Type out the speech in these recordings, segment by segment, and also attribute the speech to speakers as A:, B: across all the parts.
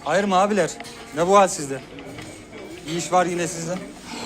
A: Hayır mı abiler? Ne bu hal sizde? İyi iş var yine sizde.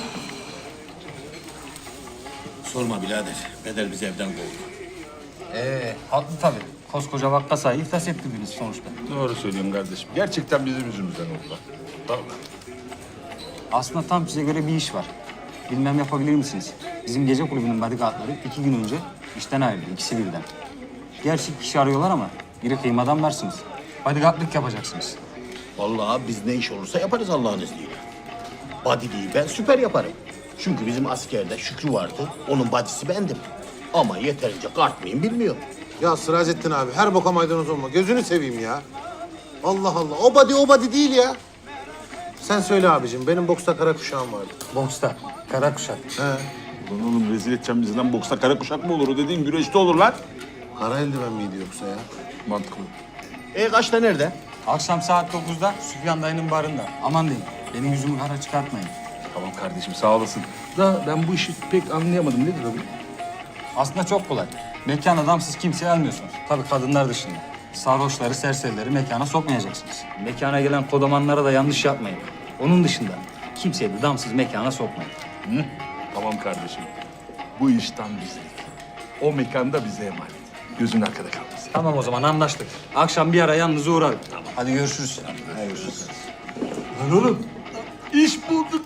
B: Sorma birader. Peder bizi evden kovdu.
A: Haklı tabii. Koskoca vakkasayı iflas ettiniz sonuçta.
C: Doğru söylüyorum kardeşim. Gerçekten bizim yüzümüzden oldu. Vallahi.
A: Aslında tam size göre bir iş var. Bilmem yapabilir misiniz? Bizim gece kulübünün bodyguardları 2 gün önce işten ayrıldı, ikisi birden. Gerçi kişi arıyorlar ama biri kıymadan varsınız. Bodyguardlık yapacaksınız.
B: Vallahi biz ne iş olursa yaparız Allah'ın izniyle. Body'liği ben süper yaparım. Çünkü bizim askerde Şükrü vardı. Onun body'si bendim. Ama yeterince kart mıyım bilmiyorum.
D: Ya Sıracettin abi her boka maydanoz olma. Gözünü seveyim ya. Allah Allah. O body değil ya. Sen söyle abicim. Benim boksta kara kuşağım vardı.
A: Boksta, kara kuşak.
D: He.
C: Ulan oğlum rezil edeceğim bizden. Boksta kara kuşak mı olur? O dediğin güreşte olur lan.
D: Kara eldiven miydi yoksa ya?
C: Mantıklı.
B: Kaçta nerede?
A: Akşam saat 9'da Süfyan dayının barında. Aman deyin, benim yüzümü kara çıkartmayın.
C: Tamam kardeşim sağ olasın. Da ben bu işi pek anlayamadım. Nedir o bu?
A: Aslında çok kolay. Mekan adamsız kimseyi almıyorsunuz. Tabii kadınlar dışında. Sarhoşları, serserileri mekana sokmayacaksınız. Mekana gelen kodamanlara da yanlış yapmayın. Onun dışında kimseyi de damsız mekana sokmayın.
C: Hı? Tamam kardeşim. Bu iş tam bizlik. O mekanda bize emanet. Gözün arkada kalmasın.
A: Tamam o zaman anlaştık. Akşam bir ara yalnız uğrarım. Tamam. Hadi görüşürüz.
C: Lan oğlum iş bulduk.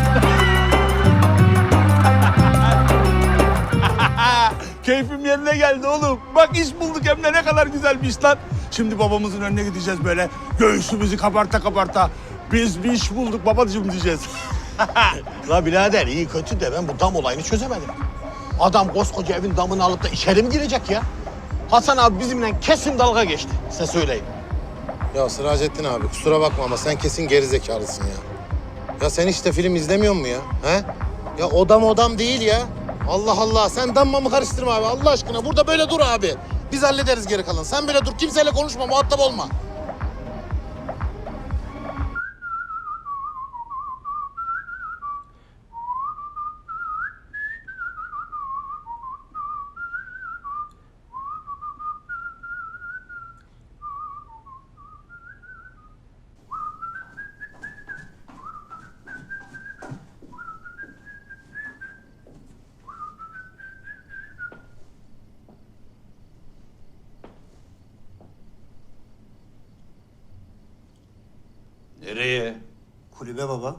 C: Keyfim yerine geldi oğlum. Bak iş bulduk hem de ne kadar güzel bir iş lan. Şimdi babamızın önüne gideceğiz böyle. Göğsümüzü kabarta kabarta. Biz bir iş bulduk babacığım diyeceğiz.
B: La birader iyi kötü de ben bu dam olayını çözemedim. Adam koskoca evin damını alıp da içeri mi girecek ya? Hasan abi bizimle kesin dalga geçti. Size söyleyeyim.
D: Ya Sıracettin abi kusura bakma ama sen kesin gerizekalısın ya. Ya sen hiç de film izlemiyor musun ya? He? Ya odam değil ya. Allah Allah sen damma mı karıştırma abi Allah aşkına. Burada böyle dur abi. Biz hallederiz geri kalan. Sen böyle dur kimseyle konuşma muhatap olma.
B: Nereye?
D: Kulübe baba.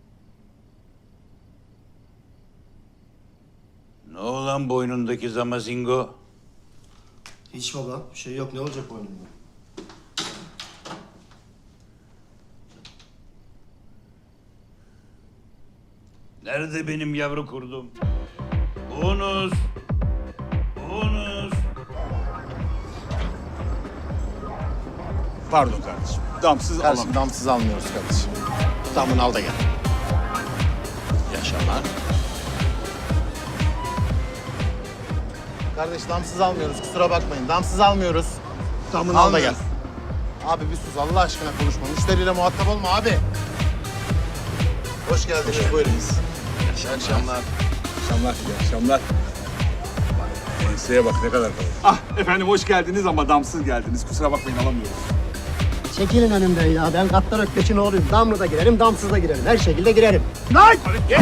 B: Ne olan boynundaki zamazingo?
E: Hiç baba. Bir şey yok. Ne olacak boynumda?
B: Nerede benim yavru kurdum? Bonus! Bonus!
C: Pardon kardeşim. Damsız
D: Kardeşim damsız almıyoruz kardeşim.
B: Damını al da gel. Yaşa lan.
D: Kardeş damsız almıyoruz kusura bakmayın. Damsız almıyoruz.
B: Damını al da gel.
D: Abi bir sus Allah aşkına konuşma. Müşteriyle muhatap olma abi. Hoş geldiniz buyurun. İyi akşamlar.
C: akşamlar, iyi akşamlar. Enseye bak ne kadar kalın. Ah efendim hoş geldiniz ama damsız geldiniz. Kusura bakmayın alamıyoruz.
E: Çekilin önümden ya. Ben Gattar Ökkeş'in oğluyum. Damlı da girerim, damsız da girerim. Her şekilde girerim. Lan!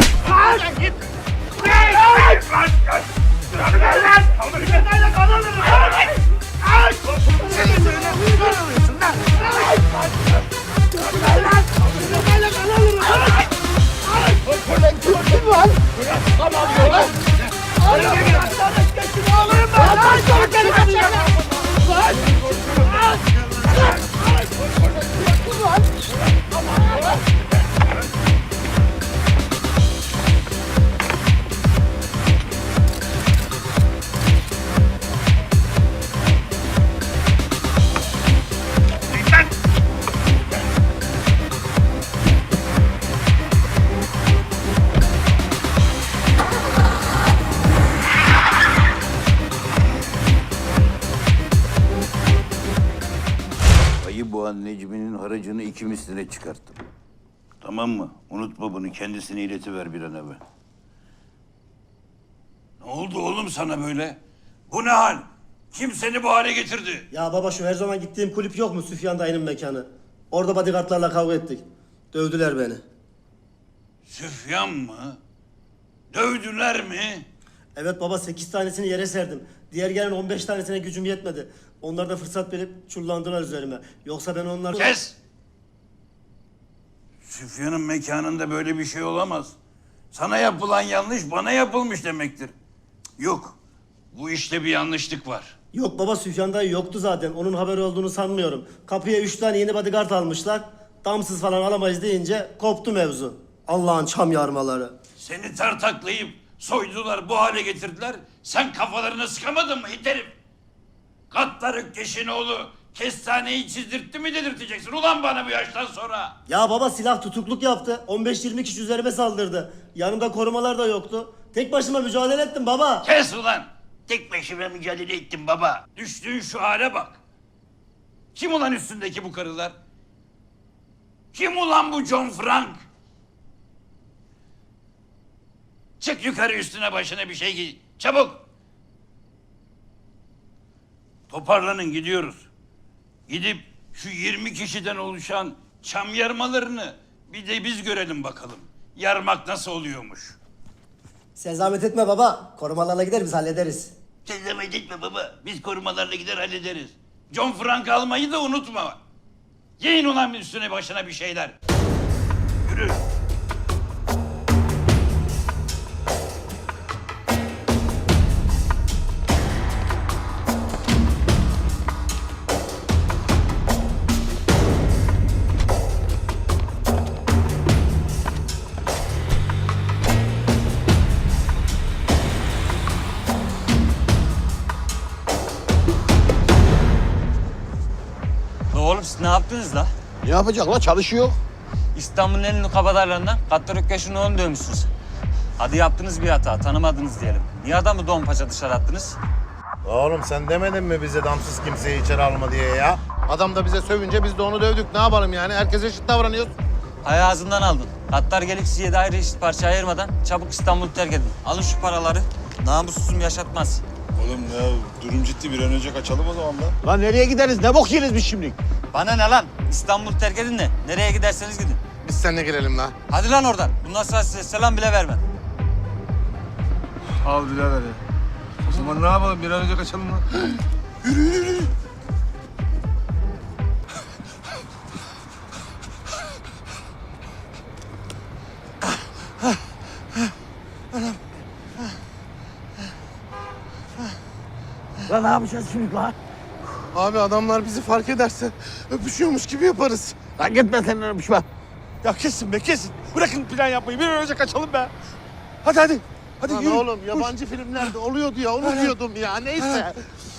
F: Ayı Boğan Necmi'nin haracını 2 misline çıkarttım. Tamam mı? Unutma bunu. Kendisine iletiver bir an evvel.
B: Ne oldu oğlum sana böyle? Bu ne hal? Kim seni bu hale getirdi?
E: Ya baba şu her zaman gittiğim kulüp yok mu Süfyan dayının mekanı? Orada bodyguardlarla kavga ettik. Dövdüler beni.
F: Süfyan mı? Dövdüler mi?
E: Evet baba 8 tanesini yere serdim. Diğer gelen 15 tanesine gücüm yetmedi. Onlar da fırsat verip çullandılar üzerime. Yoksa ben onları...
F: Kes! Süfyan'ın mekanında böyle bir şey olamaz. Sana yapılan yanlış bana yapılmış demektir. Yok, bu işte bir yanlışlık var.
E: Yok baba Süfyan dayı yoktu zaten. Onun haberi olduğunu sanmıyorum. Kapıya 3 tane yeni bodyguard almışlar. Damsız falan alamayız deyince koptu mevzu. Allah'ın çam yarmaları.
F: Seni tartaklayıp soydular, bu hale getirdiler. Sen kafalarını sıkamadın mı it herif? Gattar Ökkeş'in oğlu kestaneyi çizdirtti mi dedirteceksin ulan bana bu yaştan sonra?
E: Ya baba silah tutukluk yaptı. 15-20 kişi üzerime saldırdı. Yanımda korumalar da yoktu. Tek başıma mücadele ettim baba.
F: Kes ulan! Tek başıma mücadele ettim baba. Düştüğün şu hale bak. Kim ulan üstündeki bu karılar? Kim ulan bu John Frank? Çık yukarı üstüne başına bir şey giy. Çabuk! Toparlanın gidiyoruz. Gidip şu 20 kişiden oluşan çam yarmalarını bir de biz görelim bakalım. Yarmak nasıl oluyormuş?
E: Sen zahmet etme baba. Korumalarla gider biz hallederiz.
F: Sen zahmet etme baba. Biz korumalarla gider hallederiz. John Frank almayı da unutma. Giyin ulan üstüne başına bir şeyler. Yürü.
A: Oğlum siz ne yaptınız la?
B: Ne yapacak la? Çalışıyor.
A: İstanbul'un en ünlü kabadayılarından Gattar Ökkeş'in oğlunu dövmüşsünüz. Hadi yaptınız bir hata, tanımadınız diyelim. Niye adamı don paça dışarı attınız?
D: Oğlum sen demedin mi bize damsız kimseyi içeri alma diye ya? Adam da bize sövünce biz de onu dövdük. Ne yapalım yani? Herkes eşit davranıyoruz.
A: Hay ağzından aldın. Gattar gelip sizi 7 ayrı eşit parça ayırmadan çabuk İstanbul'u terk edin. Alın şu paraları. Namussuzum yaşatmaz.
G: Oğlum ya durum ciddi, bir an önce kaçalım o zaman da.
B: Lan nereye gideriz? Ne bok yeriz biz şimdi?
A: Bana ne lan? İstanbul'u terk edin de nereye giderseniz gidin.
D: Biz seninle girelim la.
A: Hadi lan oradan. Bundan sonra size selam bile vermem.
G: Al birader ya. O zaman ne yapalım, bir an önce kaçalım lan.
B: Lan ne yapacağız şimdi lan?
D: Abi adamlar bizi fark ederse öpüşüyormuş gibi yaparız.
B: Lan gitme sen öpüşme.
C: Ya kesin be kesin. Bırakın plan yapmayı. Bir an önce kaçalım be. Hadi hadi. Hadi
D: Lan
C: yürü.
D: oğlum yabancı filmlerde oluyordu ya, onu diyordum ya. Neyse.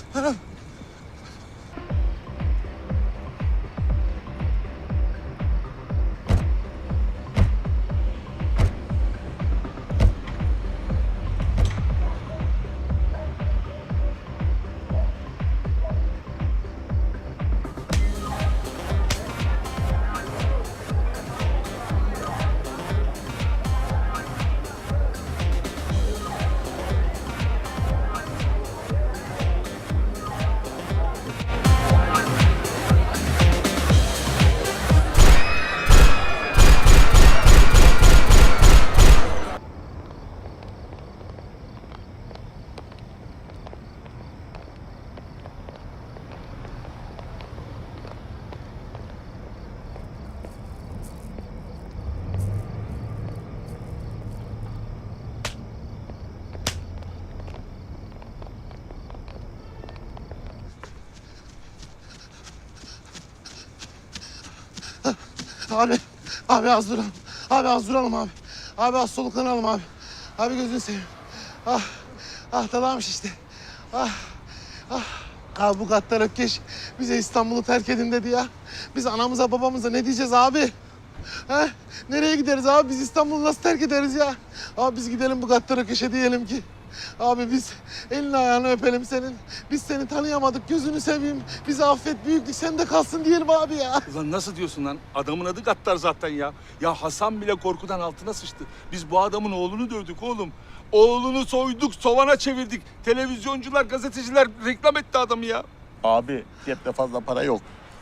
D: Abi az duralım. Abi az duralım abi. Abi az soluklanalım abi. Abi gözünü seveyim. Dalamış işte. Abi bu Gattar Ökkeş bize İstanbul'u terk edin dedi ya. Biz anamıza babamıza ne diyeceğiz abi? He? Nereye gideriz abi? Biz İstanbul'u nasıl terk ederiz ya? Abi biz gidelim bu Gattar Ökkeş'e diyelim ki. Abi biz elini ayağını öpelim senin. Biz seni tanıyamadık, gözünü seveyim. Bizi affet, büyüklük sende kalsın diyelim abi ya.
C: Ulan nasıl diyorsun lan? Adamın adı Gattar zaten ya. Ya Hasan bile korkudan altına sıçtı. Biz bu adamın oğlunu dövdük oğlum. Oğlunu soyduk, sovana çevirdik. Televizyoncular, gazeteciler reklam etti adamı ya.
B: Abi cepte fazla para yok.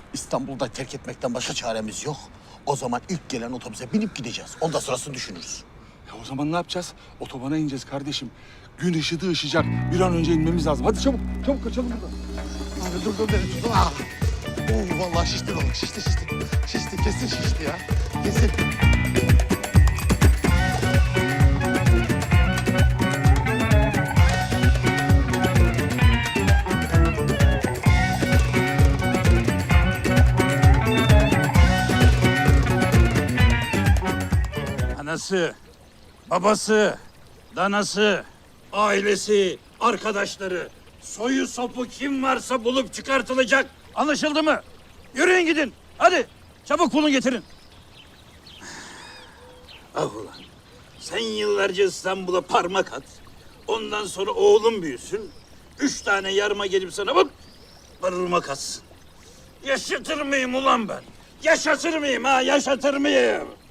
B: İstanbul'da terk etmekten başka çaremiz yok. O zaman ilk gelen otobüse binip gideceğiz. Ondan sonrasını düşünürüz.
C: Ya o zaman ne yapacağız? Otobana ineceğiz kardeşim. Gün ışıdı ışıyacak. Bir an önce inmemiz lazım. Hadi çabuk, çabuk kaçalım buradan.
B: Abi dur beni tutun. Ah. Vallahi şişti balık. Şişti. Şişti kesin şişti ya. Kesin.
F: Anası, babası, danası, ailesi, arkadaşları, soyu sopu kim varsa bulup çıkartılacak. Anlaşıldı mı? Yürüyün gidin. Hadi çabuk bulun getirin. Ah ulan. Sen yıllarca İstanbul'a parmak at. Ondan sonra oğlum büyüsün. 3 tane yarma gelip sana bak parmak atsın. Yaşatır mıyım ulan ben? Yaşatır mıyım ha? Yaşatır mıyım?